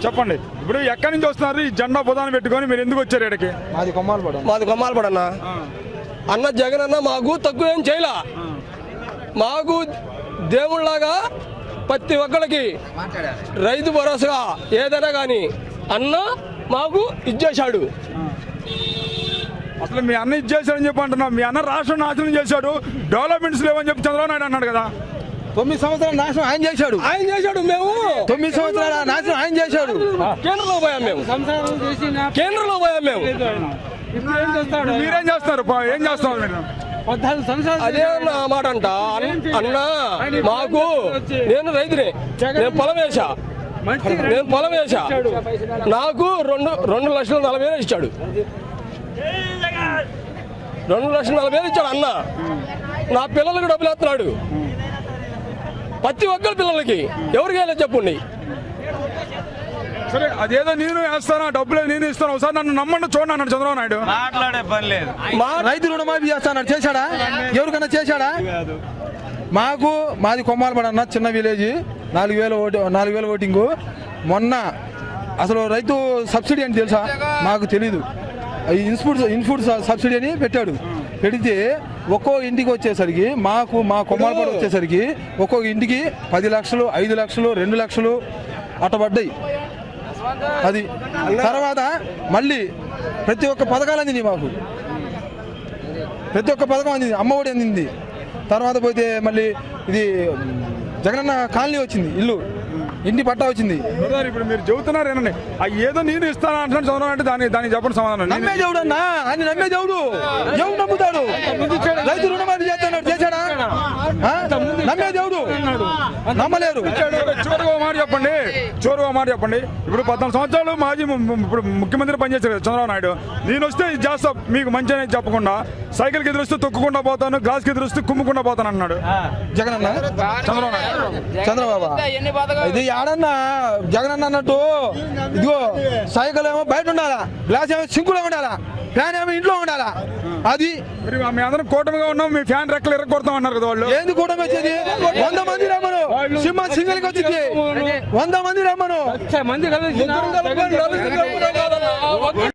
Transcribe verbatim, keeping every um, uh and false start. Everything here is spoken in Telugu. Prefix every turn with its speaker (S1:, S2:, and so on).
S1: చెప్పండి, ఇప్పుడు ఎక్కడి నుంచి వస్తున్నారు ఈ జెండా బుధాన్ని పెట్టుకొని మీరు ఎందుకు వచ్చారు ఇక్కడికి?
S2: మాది కొమ్మాలపడ
S3: మాది కొమ్మాలపడ అన్న. అన్న జగన్ అన్న మాకు తక్కువ ఏం చేయలా. మాకు దేవుళ్ళలాగా ప్రతి ఒక్కరికి రైతు భరోసా ఏదైనా కానీ అన్న మాకు ఇచ్చేశాడు.
S1: అసలు మీ అన్న ఇచ్చేసాడని చెప్పి అంటున్నా. మీ అన్న రాష్ట్రం నాశనం చేశాడు, డెవలప్మెంట్స్ లేవని చెప్పి చంద్రబాబు నాయుడు అన్నాడు కదా.
S2: తొమ్మిది సంవత్సరాల నాశనం ఆయన చేశాడు.
S3: ఆయన చేశాడు. మేము
S2: తొమ్మిది సంవత్సరాల నాశనం ఆయన చేశాడు.
S3: కేంద్రంలో పోయాం మేము. కేంద్రంలో పోయాం మేము.
S1: మీరేం చేస్తారు? ఏం చేస్తారు మీరు?
S3: అదే అన్న మాట అంట. అన్న మాకు నేను రైతునే, నేను పొలం వేసా, నేను పొలం వేసా, నాకు రెండు రెండు లక్షల నలభై వేలు ఇచ్చాడు. రెండు లక్షల నలభై వేలు ఇచ్చాడు అన్న. నా పిల్లలకు డబ్బులు వేస్తున్నాడు. ప్రతి ఒక్కరి పిల్లలకి ఎవరికి వెళ్ళి చెప్పండి.
S1: సరే, అదేదో నేను వేస్తాను, డబ్బులు నేను ఇస్తాను, ఒకసారి నన్ను నమ్మండి చూడండి అన్నాడు చంద్రబాబు నాయుడు.
S4: మాట్లాడే పని లేదు.
S2: మా రైతు రుణమాఫీ చేస్తాడు, చేశాడా? ఎవరికన్నా చేశాడా? మాకు మాది కొమ్మాలపడ అన్న, చిన్న విలేజ్, నాలుగు వేల ఓటు నాలుగు వేల ఓటింగు. మొన్న అసలు రైతు సబ్సిడీ అని తెలుసా? మాకు తెలీదు. ఇన్పుట్ ఇన్పుట్ సబ్సిడీ అని పెట్టాడు. పెడితే ఒక్కో ఇంటికి వచ్చేసరికి మాకు మా కొమ్మాలపడ వచ్చేసరికి ఒక్కొక్క ఇంటికి పది లక్షలు ఐదు లక్షలు రెండు లక్షలు అట్ట పడ్డాయి. అది తర్వాత మళ్ళీ ప్రతి ఒక్క పథకాలు అందింది మాకు. ప్రతి ఒక్క పథకం అందింది. అమ్మఒడి అందింది. తర్వాత పోతే మళ్ళీ ఇది జగనన్న కాలనీ వచ్చింది, ఇల్లు ఇంటి పట్టా వచ్చింది.
S1: ఇప్పుడు మీరు చెబుతున్నారు ఏనండి, ఏదో నేను ఇస్తాను అంటున్నాడు చంద్రబాబు అంటే దానికి దానికి చెప్పండి సమాధానం.
S2: నమ్మే దేవుడు అన్న, ఆయన నమ్మే దేవుడు. ఎవరు నమ్ముతాడు? రైతు రుణమాఫీ చేస్తున్నాడు, చేశాడా? నమ్మే దేవుడు నమ్మలేరు.
S1: చోరుగా మాట చెప్పండి, చోరుగా మాట చెప్పండి. ఇప్పుడు పద్నాలుగు సంవత్సరాలు మాజీ ఇప్పుడు ముఖ్యమంత్రి పనిచేశారు చంద్రబాబు నాయుడు. నేను వస్తే ఇది చేస్తా మీకు మంచి అనేది చెప్పకుండా సైకిల్కి ఎదురుస్తూ తొక్కుకుండా పోతాను, గ్లాస్కి ఎదురుస్తూ కుమ్ముకుండా పోతాను అన్నాడు
S2: జగనన్న.
S1: చంద్రబాబు నాయుడు
S2: చంద్రబాబు ఇది ఆడన్నా జగనన్న అన్నట్టు. ఇదిగో సైకిల్ ఏమో బయట ఉండాలా, గ్లాస్ ఏమో సింకులో ఉండాలా, ఫ్యాన్ ఏమో ఇంట్లో ఉండాలా. అది
S1: మీ అందరం కూటమిగా ఉన్నాం, మీ ఫ్యాన్ రెక్కలు ఎరగొడతాం అన్నారు కదా వాళ్ళు.
S2: ఏంది కూటమి వచ్చేది? వంద మంది రమ్మను, సింహ సింగిల్ కి వచ్చింది. వంద మంది రమ్మను.